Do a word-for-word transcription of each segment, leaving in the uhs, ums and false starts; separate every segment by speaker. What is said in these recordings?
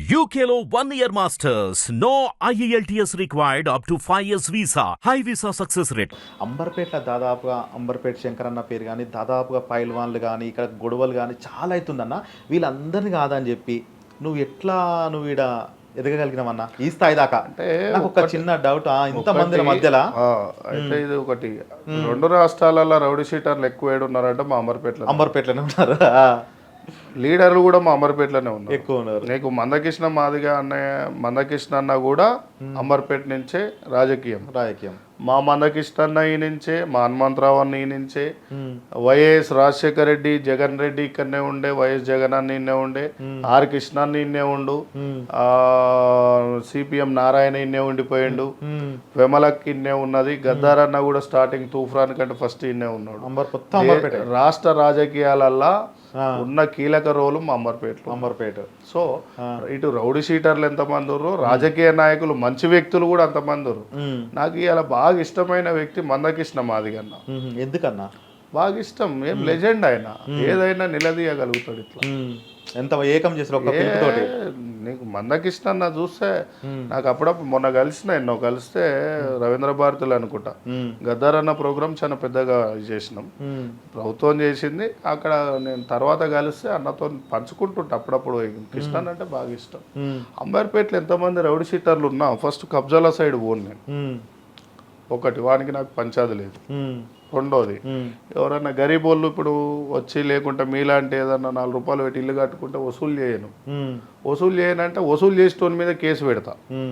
Speaker 1: U K లో one year masters. No I E L T S required up to five years visa. High visa success rate.
Speaker 2: అంబర్పేటలో దాదాపుగా అంబర్పేట శంకరన్న పేరు కానీ దాదాపుగా పైల్వాన్లు కానీ ఇక్కడ గొడవలు కానీ చాలా అవుతుందన్న. వీళ్ళందరినీ కాదని చెప్పి నువ్వు ఎట్లా నువ్వు ఈడ ఎదగగలిగినావన్నా ఈ స్థాయి దాకా? అంటే నాకు ఒక చిన్న డౌట్, ఇంత మంది మధ్యలో
Speaker 3: అయితే ఇది ఒకటి రెండు రాష్ట్రాలలో రౌడీ షీటర్లు ఎక్కువ ఏడు ఉన్నారంటే మా అంబర్పేటలో
Speaker 2: అంబర్పేటలోనే ఉన్నారు.
Speaker 3: లీడర్లు కూడా మా అంబర్పేటలోనే ఉన్నారు,
Speaker 2: ఎక్కువ ఉన్నారు.
Speaker 3: నీకు మందకృష్ణ మాదిగా అన్నయ్య మందకృష్ణ అన్న కూడా అంబర్పేట నుంచే రాజకీయం
Speaker 2: రాజకీయం
Speaker 3: మా మందకృష్ణ అన్న ఈ నుంచే, మా హనుమంతరావు అన్న ఈ నుంచే, వైఎస్ రాజశేఖర రెడ్డి జగన్ రెడ్డి ఇక్కడనే ఉండే, వైఎస్ జగన్ అన్న ఇన్నే ఉండే, ఆర్ కృష్ణ అన్న ఇన్నే ఉండు, ఆ సిపిఎం నారాయణ ఇన్నే ఉండిపోయిండు, వెమలక్ ఇన్నే ఉన్నది, గద్దార్ అన్న కూడా స్టార్టింగ్ తూఫాన్ కంటే ఫస్ట్ ఇన్నే ఉన్నాడు. రాష్ట్ర రాజకీయాలల్లా ఉన్న కీలక రోలు మా అంబర్పేట
Speaker 2: అంబర్పేట
Speaker 3: సో ఇటు రౌడీ షీటర్లు ఎంతమంది ఉన్నారు, రాజకీయ నాయకులు మంచి వ్యక్తులు కూడా అంతమంది ఉన్నారు. నాకు ఇలా బాగా ఇష్టమైన వ్యక్తి మందకృష్ణ మాదిగన్న.
Speaker 2: ఎందుకన్నా
Speaker 3: బాగా ఇష్టం? ఏం లెజెండ్ ఆయన, ఏదైనా నిలదీయగలుగుతాడు. ఇట్లా
Speaker 2: ఎంత ఏకం చేసిన ఒక పిలుపుతోటి.
Speaker 3: నీకు మందకృష్ణ అన్న చూస్తే నాకు అప్పుడప్పుడు మొన్న కలిసిన ఎన్నో కలిస్తే రవీంద్ర భారతులు అనుకుంటా గద్దార్ అన్న ప్రోగ్రామ్ చాలా పెద్దగా చేసినాం, ప్రభుత్వం చేసింది. అక్కడ నేను తర్వాత కలిస్తే అన్నతో పంచుకుంటుంటా అప్పుడప్పుడు. కృష్ణ అంటే బాగా ఇష్టం. అంబర్పేటలో ఎంతమంది రౌడీ షీటర్లు ఉన్నా ఫస్ట్ కబ్జాల సైడ్ పోను నేను. ఒకటి వానికి నాకు పంచాది లేదు. రెండోది ఎవరన్నా గరీబ్ వాళ్ళు ఇప్పుడు వచ్చి లేకుంటే మీలాంటి ఏదన్నా నాలుగు రూపాయలు పెట్టి ఇల్లు కట్టుకుంటే వసూలు చేయను. వసూలు చేయనంటే వసూలు చేసేటోని మీద కేసు పెడతా.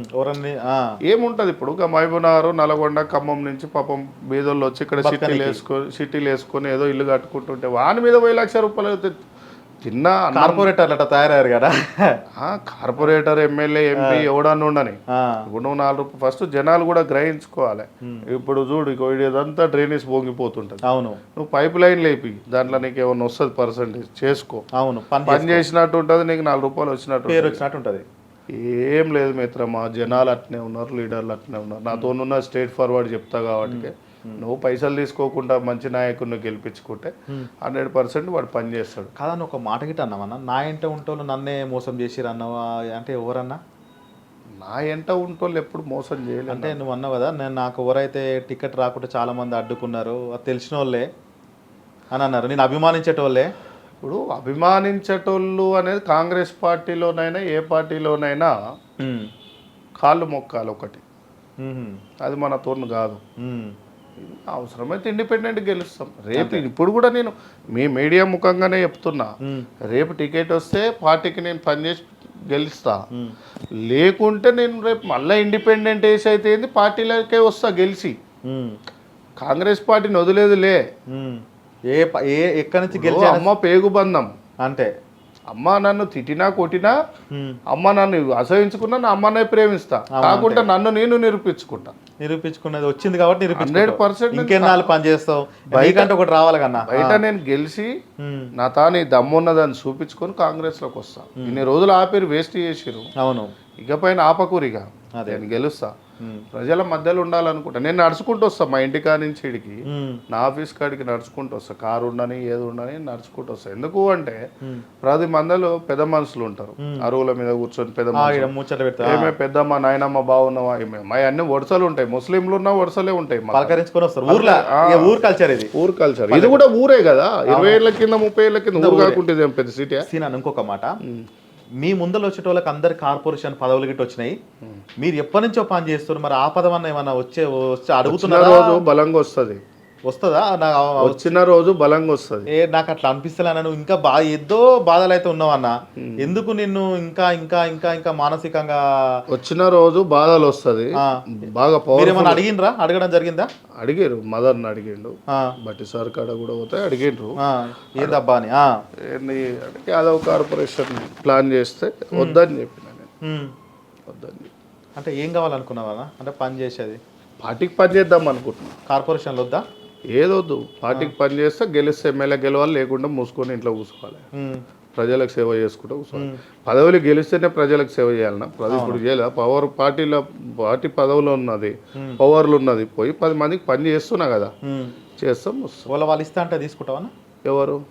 Speaker 3: ఏముంటది ఇప్పుడు మహబూబ్నగర్ నల్గొండ ఖమ్మం నుంచి పాపం బీదోళ్ళు వచ్చి ఇక్కడ సిటీలు వేసుకొని సిటీలు వేసుకొని ఏదో ఇల్లు కట్టుకుంటుంటే వాని మీద వెయ్యి లక్ష రూపాయలు చిన్న
Speaker 2: కార్పొరేటర్ అట్లా తయారయ్యారు కదా.
Speaker 3: కార్పొరేటర్ ఎమ్మెల్యే ఎంపీ ఎవడన్నా ఉండని ఇప్పుడు నువ్వు నాలుగు రూపాయలు ఫస్ట్ జనాలు కూడా గ్రహించుకోవాలి. ఇప్పుడు చూడు ఇదంతా డ్రైనేజ్ పొంగిపోతుంటది.
Speaker 2: అవును,
Speaker 3: నువ్వు పైప్ లైన్ లేపి దాంట్లో నీకు ఏమన్నా వస్తుంది పర్సెంటేజ్ చేసుకో.
Speaker 2: అవును,
Speaker 3: పని చేసినట్టు ఉంటుంది, నీకు నాలుగు రూపాయలు వచ్చినట్టు
Speaker 2: పేరు వచ్చినట్టు ఉంటుంది.
Speaker 3: ఏం లేదు మిత్రమా, జనాలు అట్నే ఉన్నారు, లీడర్లు అట్నే ఉన్నారు. నాతోనున్న స్ట్రేట్ ఫార్వర్డ్ చెప్తా కాబట్టి నువ్వు పైసలు తీసుకోకుండా మంచి నాయకుడిని గెలిపించుకుంటే హండ్రెడ్ పర్సెంట్ వాడు పని చేస్తాడు.
Speaker 2: కాదని ఒక మాట గిట్ట అన్నావన్నా, నా ఇంట ఉంటోళ్ళు నన్నే మోసం చేసిరు అన్నావా అంటే ఎవరన్నా?
Speaker 3: నా ఎంట ఉంటోళ్ళు ఎప్పుడు మోసం చేయలేదు.
Speaker 2: అంటే నువ్వు అన్నావు కదా, నేను నాకు ఎవరైతే టికెట్ రాకుండా చాలా మంది అడ్డుకున్నారు అది తెలిసిన వాళ్ళే అని అన్నారు, నేను అభిమానించేటోళ్ళే.
Speaker 3: ఇప్పుడు అభిమానించేటోళ్ళు అనేది కాంగ్రెస్ పార్టీలోనైనా ఏ పార్టీలోనైనా కాళ్ళు మొక్కాలి ఒకటి, అది మన తోను కాదు. అవసరమైతే ఇండిపెండెంట్ గెలుస్తాం. రేపు ఇప్పుడు కూడా నేను మీ మీడియా ముఖంగానే చెప్తున్నా, రేపు టికెట్ వస్తే పార్టీకి నేను పనిచేసి గెలుస్తా, లేకుంటే నేను రేపు మళ్ళీ ఇండిపెండెంట్ వేసి అయితే ఏంది పార్టీలకే వస్తా గెలిచి. కాంగ్రెస్ పార్టీని వదిలేదులే.
Speaker 2: ఏ ఏ ఎక్కడి నుంచి గెలిచి
Speaker 3: అమ్మ పేగుబంధం
Speaker 2: అంటే
Speaker 3: అమ్మ నన్ను తిట్టినా కొట్టినా, అమ్మ నన్ను అసహించుకున్నా నా అమ్మనే ప్రేమిస్తా, కాకుండా నన్ను నేను నిరూపించుకుంటా.
Speaker 2: నిరూపించుకున్నది వచ్చింది కాబట్టి
Speaker 3: హండ్రెడ్ పర్సెంట్
Speaker 2: ఇంకెన్నాళ్ళు పని చేస్తావు, బయట ఒకటి రావాలి కన్నా.
Speaker 3: బయట నేను గెలిచి నా తాను దమ్మున్నదని చూపించుకొని కాంగ్రెస్ లోకి వస్తా. ఇన్ని రోజులు ఆపేరు వేస్ట్ చేసిరు.
Speaker 2: అవును,
Speaker 3: ఇకపైన ఆపకూరిగా నేను గెలుస్తా. ప్రజల మధ్యలో ఉండాలనుకుంటా. నేను నడుచుకుంటూ వస్తా మా ఇంటి కాడి నుంచి ఇడికి, నా ఆఫీస్ కాడికి నడుచుకుంటూ వస్తా. కారు ఉండని ఏది ఉండని నడుచుకుంటూ వస్తా. ఎందుకు అంటే ప్రతి మందిలో పెద్ద మనుషులు ఉంటారు, అరువుల మీద కూర్చొని పెద్ద ఏమే పెద్దమ్మ నాయనమ్మ బాగున్నావా, మా అన్ని వరుసలు ఉంటాయి. ముస్లింలు ఉన్న వరుసలే ఉంటాయి.
Speaker 2: ఊరు కల్చర్ ఇది,
Speaker 3: ఊరు కల్చర్ ఇది కూడా ఊరే కదా. ఇరవై ఏళ్ళ కింద ముప్పై ఏళ్ళ కింద ఊరు కాకుంటే పెద్ద సిటీ.
Speaker 2: ఇంకొక మాట, మీ ముందర వచ్చే వాళ్ళకి అందరు కార్పొరేషన్ పదవులు గిట్ట వచ్చినాయి, మీరు ఎప్పటి నుంచో పని చేస్తారు, మరి ఆ పదం అన్న ఏమన్నా వచ్చే వచ్చి అడుగుతున్న
Speaker 3: రోజు బలంగా వస్తుంది
Speaker 2: వస్తుందా?
Speaker 3: వచ్చిన రోజు బలంగా వస్తుంది.
Speaker 2: ఏ నాకు అట్లా అనిపిస్తలే, నువ్వు ఇంకా బాగా ఏదో బాధలు అయితే ఉన్నావన్న, ఎందుకు నిన్ను ఇంకా ఇంకా ఇంకా ఇంకా మానసికంగా
Speaker 3: వచ్చిన రోజు బాధలు వస్తుంది బాగా.
Speaker 2: ఏమన్నా అడిగినరా? అడగడం జరిగిందా?
Speaker 3: అడిగారు, మదర్ని అడిగిండు, బట్టి సార్ కాడ కూడా పోతే అడిగిండ్రు
Speaker 2: ఏందబ్బా అని.
Speaker 3: యాదవ్ కార్పొరేషన్ ప్లాన్ చేస్తే వద్దని చెప్పిన నేను. వద్దని
Speaker 2: అంటే ఏం కావాలనుకున్నావా? అంటే పని చేసేది
Speaker 3: పార్టీకి పని చేద్దాం అనుకుంటున్నా.
Speaker 2: కార్పొరేషన్లో వద్దా?
Speaker 3: ఏదొద్దు, పార్టీకి పని చేస్తే గెలిస్తే ఎమ్మెల్యే గెలవాలి, లేకుండా మూసుకొని ఇంట్లో కూర్చోవాలి, ప్రజలకు సేవ చేసుకుంటూ కూర్చోవాలి. పదవులు గెలిస్తేనే ప్రజలకు సేవ చేయాలన్నా? ప్రజలు ఇప్పుడు చేయాలి. పవర్ పార్టీలో పార్టీ పదవులు ఉన్నది, పవర్లు ఉన్నది, పోయి పది మందికి పని చేస్తున్నా కదా, చేస్తాం.
Speaker 2: వాళ్ళ వాళ్ళు ఇస్తా అంటే తీసుకుంటావా?
Speaker 3: ఎవరు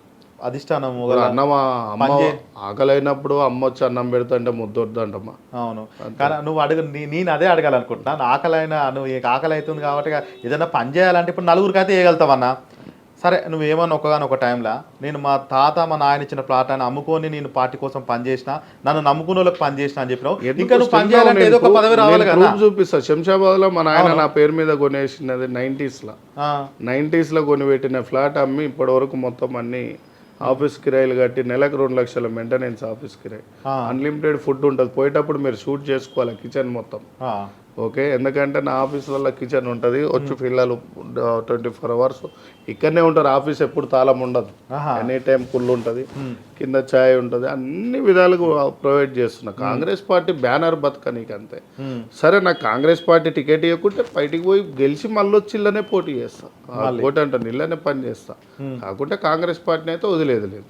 Speaker 2: అధిష్టానం
Speaker 3: వాళ్ళ అన్నమా అమ్మ
Speaker 2: పనిచే
Speaker 3: ఆకలి అయినప్పుడు అమ్మ వచ్చి అన్నం పెడుతుంటే ముద్దొద్దంటమ్మా.
Speaker 2: అవును, కానీ నువ్వు అడుగు నీ- నేను అదే అడగాలనుకుంటున్నా. నా ఆకలి అయినా నువ్వు నీకు ఆకలి అవుతుంది కాబట్టి ఇక ఏదైనా పని చేయాలంటే ఇప్పుడు నలుగురికి అయితే వేయగలుగుతావన్నా. సరే నువ్వేమన్నా ఒకగాని ఒక టైంలో నేను మా తాత మా నాయన ఇచ్చిన ప్లాట్ అని అమ్ముకొని నేను పార్టీ కోసం పని చేసిన, నన్ను నమ్ముకున్న వాళ్ళకి పని చేసిన అని చెప్పినావు. ఇంకా నువ్వు పని చేయాలంటే ఏదో ఒక పదవి రావాలి కదా.
Speaker 3: చూపిస్తా. శంషాబాద్ లో మా నాయన నా పేరు మీద కొనేసినది నైన్టీస్ లో నైన్టీస్ లో కొని పెట్టిన ఫ్లాట్ అమ్మి ఇప్పటి వరకు మొత్తం అన్ని ఆఫీస్ కిరాయిలు కట్టి నెలకు రెండు లక్షల మెయింటెనెన్స్ ఆఫీస్ కిరాయి, అన్లిమిటెడ్ ఫుడ్ ఉంటుంది. పోయేటప్పుడు మీరు షూట్ చేసుకోవాలి కిచెన్ మొత్తం. ఓకే, ఎందుకంటే నా ఆఫీసులలో కిచెన్ ఉంటుంది, వచ్చి పిల్లలు ట్వంటీ ఫోర్ అవర్స్ ఇక్కడనే ఉంటారు. ఆఫీస్ ఎప్పుడు తాళం ఉండదు, ఎనీ టైం కుళ్ళు ఉంటుంది, కింద ఛాయ్ ఉంటుంది, అన్ని విధాలుగా ప్రొవైడ్ చేస్తున్నా. కాంగ్రెస్ పార్టీ బ్యానర్ బతుక నీకు అంతే. సరే నాకు కాంగ్రెస్ పార్టీ టికెట్ ఇవ్వకుంటే బయటికి పోయి గెలిచి మళ్ళీ వచ్చి ఇళ్ళనే పోటీ చేస్తా, పోటీ అంటాను ఇళ్ళనే పని చేస్తా. కాకుంటే కాంగ్రెస్ పార్టీని అయితే వదిలేదు లేదు.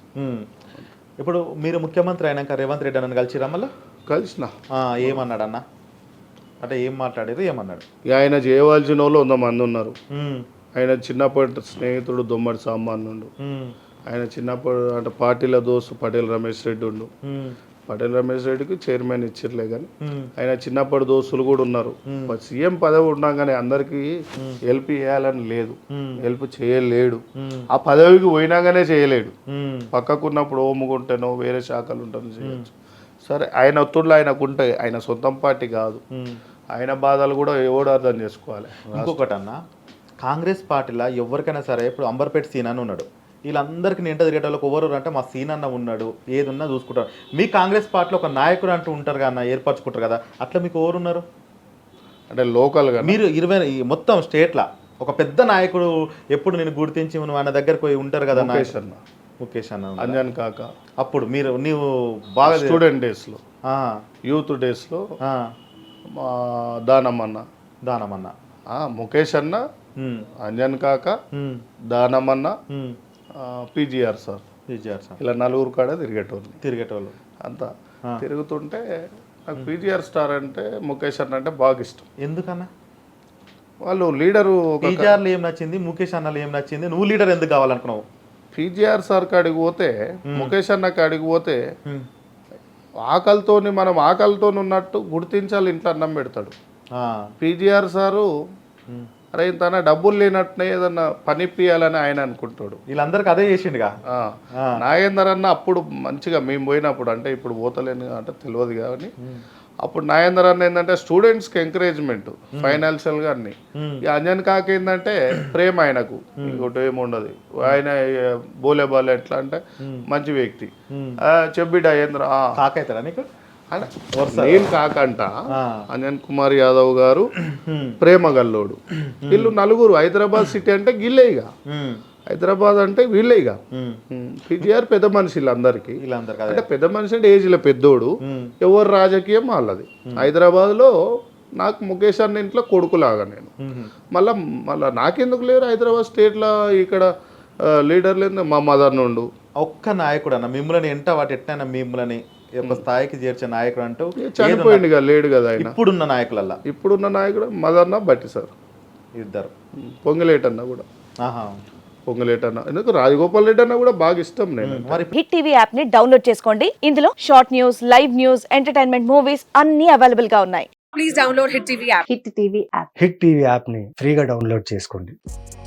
Speaker 2: ఇప్పుడు మీరు ముఖ్యమంత్రి అయినాక రేవంత్ రెడ్డి అన్న కలిసిరా మళ్ళీ?
Speaker 3: కలిసిన.
Speaker 2: ఏమన్నాడు అన్న అంటే ఏం మాట్లాడారు ఏమన్నాడు?
Speaker 3: ఆయన చేయవలసిన వాళ్ళు వంద మంది ఉన్నారు. ఆయన చిన్నప్పటి స్నేహితుడు దొమ్మడి సామాన్యుడు. ఆయన చిన్నప్పుడు అంటే పార్టీల దోస్తు పటేల్ రమేష్ రెడ్డి ఉండు. పటేల్ రమేష్ రెడ్డికి చైర్మన్ ఇచ్చిర్లే కానీ ఆయన చిన్నప్పటి దోస్తులు కూడా ఉన్నారు. సీఎం పదవి ఉండగానే అందరికి హెల్ప్ చేయాలని లేదు, హెల్ప్ చేయలేడు. ఆ పదవికి పోయినాగానే చేయలేడు. పక్కకున్నప్పుడు ఓముకుంటేనో వేరే శాఖలు ఉంటానో చేయొచ్చు. సరే ఆయన ఒత్తుడులో ఆయనకు ఉంటాయి, ఆయన సొంతం పార్టీ కాదు. ఆయన బాధలు కూడా ఎవడు అర్థం చేసుకోవాలి.
Speaker 2: ఇంకొకటి అన్న, కాంగ్రెస్ పార్టీలో ఎవరికైనా సరే ఇప్పుడు అంబర్పేట సీన్ అని ఉన్నాడు, వీళ్ళందరికీ నింట తిరిగేటోళ్ళకి ఎవరు అంటే మా సీన్ అన్న ఉన్నాడు, ఏది ఉన్నా చూసుకుంటారు. మీ కాంగ్రెస్ పార్టీలో ఒక నాయకుడు అంటూ ఉంటారు కదా అన్న, ఏర్పరచుకుంటారు కదా, అట్లా మీకు ఎవరు ఉన్నారు
Speaker 3: అంటే లోకల్గా?
Speaker 2: మీరు ఇరవై మొత్తం స్టేట్లో ఒక పెద్ద నాయకుడు ఎప్పుడు నేను గుర్తించి నువ్వు ఆయన దగ్గరకు పోయి ఉంటారు కదా అన్న? ముఖేష్ అన్న,
Speaker 3: అంజన్ కాక.
Speaker 2: అప్పుడు మీరు నీవు బాగా
Speaker 3: స్టూడెంట్ డేస్లో, యూత్ డేస్లో దానమన్న
Speaker 2: దానమన్న
Speaker 3: ముఖేష్ అన్న, అంజన్ కాక, దానమన్న, పీజీఆర్ సార్
Speaker 2: పీజీఆర్ సార్
Speaker 3: ఇలా నలుగురు కాడ తిరిగేటోళ్ళు
Speaker 2: తిరిగేటోళ్ళు
Speaker 3: అంతా తిరుగుతుంటే నాకు పీజీఆర్ స్టార్ అంటే ముఖేష్ అన్న అంటే బాగా ఇష్టం.
Speaker 2: ఎందుకన్నా?
Speaker 3: వాళ్ళు లీడరు.
Speaker 2: పీజీఆర్లో ఏం నచ్చింది, ముఖేష్ అన్నలో ఏం నచ్చింది, నువ్వు లీడర్ ఎందుకు కావాలనుకున్నావు?
Speaker 3: పీజీఆర్ సార్ కాడికి పోతే, ముఖేష్ అన్న కాడికి పోతే ఆకలితోని మనం ఆకలితో ఉన్నట్టు గుర్తించాలి, ఇంట్లో అన్నం పెడతాడు. పీజీఆర్ సారు అరే తన డబ్బులు లేనట్టునే ఏదన్నా పని ఇప్పియాలని ఆయన అనుకుంటాడు.
Speaker 2: వీళ్ళందరికీ అదే చేసిండుగా.
Speaker 3: నాగేందర్ అన్న అప్పుడు మంచిగా మేము పోయినప్పుడు, అంటే ఇప్పుడు పోతలేను అంటే తెలియదు కానీ, అప్పుడు నాగేందర్ అన్న ఏంటంటే స్టూడెంట్స్కి ఎంకరేజ్మెంట్ ఫైనాన్షియల్గా అన్ని. ఇక అంజన్ కాక ఏంటంటే ప్రేమ ఆయనకు, ఇంకోటి ఏముండదు. ఆయన బోలే బాలే ఎట్లా అంటే మంచి వ్యక్తి. చెప్పిడా ఏంద్ర
Speaker 2: కాకైతారా నీకు?
Speaker 3: నేను కాకంట అంజన్ కుమార్ యాదవ్ గారు ప్రేమ గల్లోడు. వీళ్ళు నలుగురు హైదరాబాద్ సిటీ అంటే గిల్లేగా, హైదరాబాద్ అంటే వీళ్ళేగా. పీజీఆర్ పెద్ద మనిషి వీళ్ళందరికీ. అంటే పెద్ద మనిషి అంటే ఏజ్లో పెద్దోడు, ఎవరు రాజకీయం వాళ్ళది. హైదరాబాద్ లో నాకు ముఖేష్ అన్న ఇంట్లో కొడుకులాగా నేను. మళ్ళా మళ్ళా నాకెందుకు లేరు హైదరాబాద్ స్టేట్లో ఇక్కడ లీడర్లు? మా మదర్ నుండు
Speaker 2: ఒక్క నాయకుడు అన్న మిమ్మల్ని ఎంట వాటి ఎట్లయినా మిమ్మల్ని ఒక స్థాయికి చేర్చే నాయకుడు అంటూ
Speaker 3: చనిపోయింది కదా, లేడు కదా ఆయన.
Speaker 2: ఇప్పుడున్న నాయకులల్లా
Speaker 3: ఇప్పుడున్న నాయకుడు మదర్న బట్టి సార్
Speaker 2: ఇద్దరు.
Speaker 3: పొంగలేటన్న కూడా, పొంగలేటన్న ఎందుకు రాజగోపాల్ రెడ్డి అన్న కూడా బాగా ఇష్టం నేను.
Speaker 4: హిట్ టీవీ యాప్ ని డౌన్లోడ్ చేసుకోండి. ఇందులో short news, live news, entertainment movies అన్ని అవైలబుల్ గా ఉన్నాయి. Please download Hit TV app. Hit TV app
Speaker 5: Hit TV app ని ఫ్రీగా డౌన్లోడ్ చేసుకోండి.